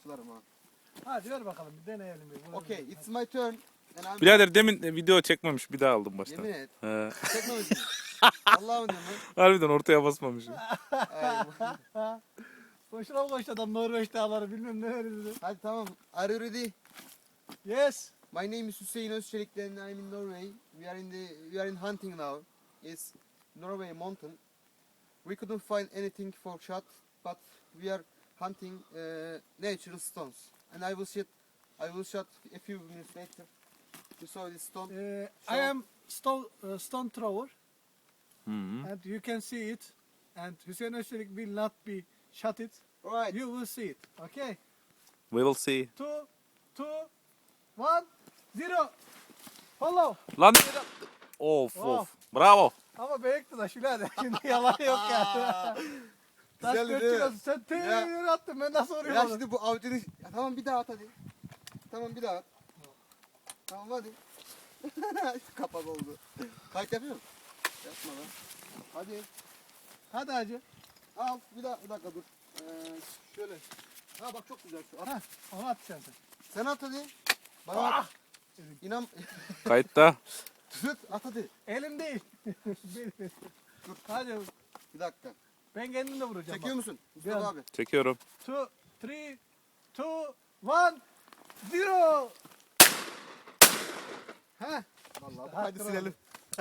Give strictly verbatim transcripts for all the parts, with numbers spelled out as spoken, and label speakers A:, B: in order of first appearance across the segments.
A: atlarım ha.
B: Hadi ver bakalım bir deneyelim. Bir.
A: Okay, it's my turn. And I'm...
C: Birader demin video çekmemiş, bir daha aldım baştan.
A: Yemin et.
C: He.
A: Çekmemişsin. Allah'ım diyorum
C: Harbiden ortaya basmamışım.
A: lan.
B: Boşuna mı koştu adam Norveç dağları bilmem neler dedi.
A: Hadi tamam. Are you ready?
B: Yes.
A: My name is Hüseyin Özçelik and I'm in Norway. We are in the we are in hunting now. It's Norway mountain. We couldn't find anything for shot, but we are hunting uh, natural stones. And I will shoot I will shot a few minutes later. You saw this stone.
B: Uh,
A: So-
B: I am stone, uh, stone thrower
C: Hı -hı.
B: and you can see it. And Hüseyin Özçelik will not be shot it.
A: Alright.
B: You will see it. Okay.
C: We will see.
B: Two, two, one, zero. Follow.
C: Lan of
B: Of.
C: of. Bravo.
B: Ama büyüktü da şöyle şimdi yalan yok ya. Taş
A: Güzeldi
B: dört
A: değil mi?
B: kilosu sen tüyünü attın ben nasıl
A: Ya
B: oraya oğlum?
A: şimdi bu avcının... Ya tamam bir daha at hadi. Tamam bir daha at. Tamam hadi. Kapak oldu. Kayıt yapıyor musun? Yapma lan. Hadi.
B: Hadi hacı.
A: Al bir daha bir dakika dur. Ee, şöyle. Ha bak çok güzel şu. At.
B: Heh, onu at sen sen.
A: Sen at hadi. Bana
B: Ah!
A: at. İnan.
C: Kayıtta.
A: Tut at hadi.
B: Elim değil. Benim. Hadi
A: Bir dakika.
B: ben kendim de vuracağım.
A: Çekiyor musun? Mustafa
B: Biraz.
A: abi.
C: Çekiyorum.
B: Two, three, two, one, zero. Heh.
A: Vallahi
B: Hadi
A: hadi silelim.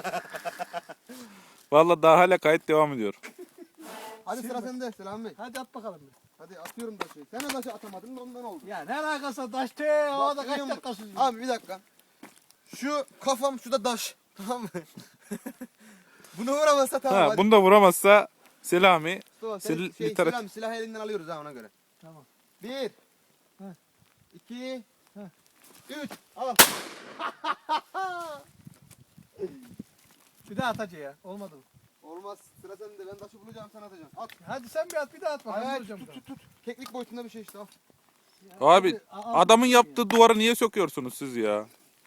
C: Vallahi daha hala kayıt devam ediyor.
A: Hadi sıra sende Selam Bey.
B: Hadi at bakalım bir.
A: Hadi atıyorum taşı. Sen de taşı atamadın da ondan oldu.
B: Ya ne alakası taş te havada
A: Bak,
B: kaç
A: görüyor
B: dakika
A: musun?
B: süzüyor.
A: Abi bir dakika. Şu kafam şu da taş. Tamam mı? Bunu vuramazsa tamam
C: Ha,
A: hadi.
C: bunu da vuramazsa Selami.
A: Mustafa, sen
C: Sil-
A: şey,
C: literat-
A: silah, silahı elinden alıyoruz ha ona göre.
B: Tamam.
A: Bir.
B: Heh.
A: İki.
B: Heh.
A: Üç. Al.
B: Bir daha at hacı ya. Olmadı mı?
A: Olmaz. Sıra sende. Ben taşı bulacağım sen atacaksın. At.
B: Hadi sen bir at bir daha at bakalım.
A: Hayır
B: vuracağım
A: tut
B: bir
A: tut tut. Keklik boyutunda bir şey işte al.
B: daha.
C: Abi
B: a-
C: adamın
B: a-
C: yaptığı duvarı niye söküyorsunuz siz ya?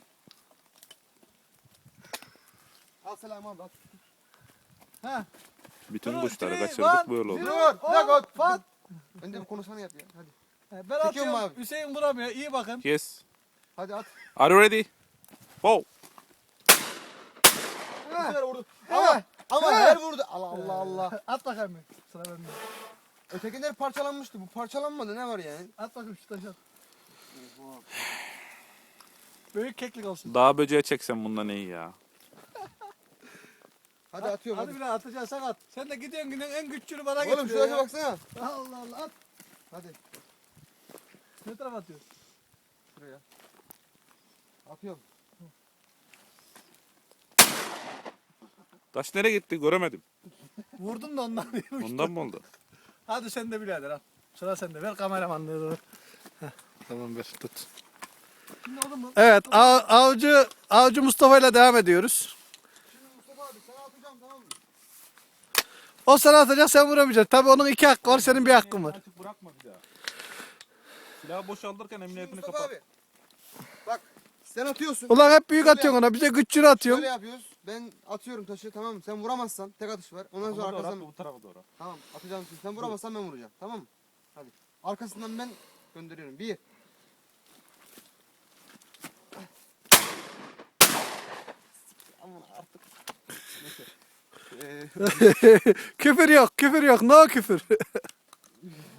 A: Al Selam abi at.
B: Heh.
C: Bütün
B: Two,
C: kuşları
B: three,
C: kaçırdık
B: one,
C: böyle oldu.
B: zero,
A: Dur, bir dakika.
B: on, fat.
A: Önce bir konuşmanı yap ya. Hadi.
B: He, Ben
A: Çekiyor mu
B: atıyorum.
A: abi?
B: Hüseyin vuramıyor. İyi bakın.
C: Yes.
A: Hadi at.
C: Are you ready? Wow.
A: Bu sefer vurdu.
B: He.
A: Ama ama
B: He.
A: her vurdu. Allah Allah Allah.
B: At bakalım bir. Sıra bende.
A: Ötekiler parçalanmıştı. Bu parçalanmadı. Ne var yani?
B: At bakayım şu taşı at. Büyük keklik olsun.
C: Dağ böceği çeksem bundan iyi ya.
A: Hadi atıyorum
B: Hadi
A: hadi.
B: bir daha atacaksan at. Sen de gidiyorsun gidiyorsun en güçlüğünü bana
A: Oğlum
B: getiriyor
A: şuraya
B: ya.
A: baksana.
B: Allah Allah at.
A: Hadi
B: Ne tarafa atıyorsun?
A: şuraya. Atıyorum.
C: Taş nereye gitti göremedim.
B: Vurdum da ondan değil.
C: Ondan mı oldu?
B: Hadi sen de birader al. Sıra sende. Ver kameramanlığı. Heh, tamam ver tut.
A: Şimdi oğlum mu?
B: Evet av- avcı avcı Mustafa ile devam ediyoruz.
A: Şimdi Mustafa abi sana atacağım tamam mı?
B: O sana atacak sen vuramayacaksın. Tabii onun iki hakkı var senin bir hakkın var.
C: Açık bırakma bir daha. Silahı boşaltırken
A: Şimdi
C: emniyetini
A: Mustafa
C: kapat.
A: abi. Bak sen atıyorsun.
B: Ulan hep büyük
A: Şöyle
B: atıyorsun
A: yap.
B: ona. Bize güçlüğünü atıyorsun.
A: Şöyle yapıyoruz. Ben atıyorum taşı tamam mı? Sen vuramazsan tek atış var. Ondan sonra arkasından...
C: bu tarafa doğru.
A: Tamam atacağım şimdi. Sen vuramazsan ben vuracağım. Tamam mı? Hadi. Arkasından ben gönderiyorum. Bir. Aman artık. Neyse. Ee,
B: Küfür yok, küfür yok. No küfür.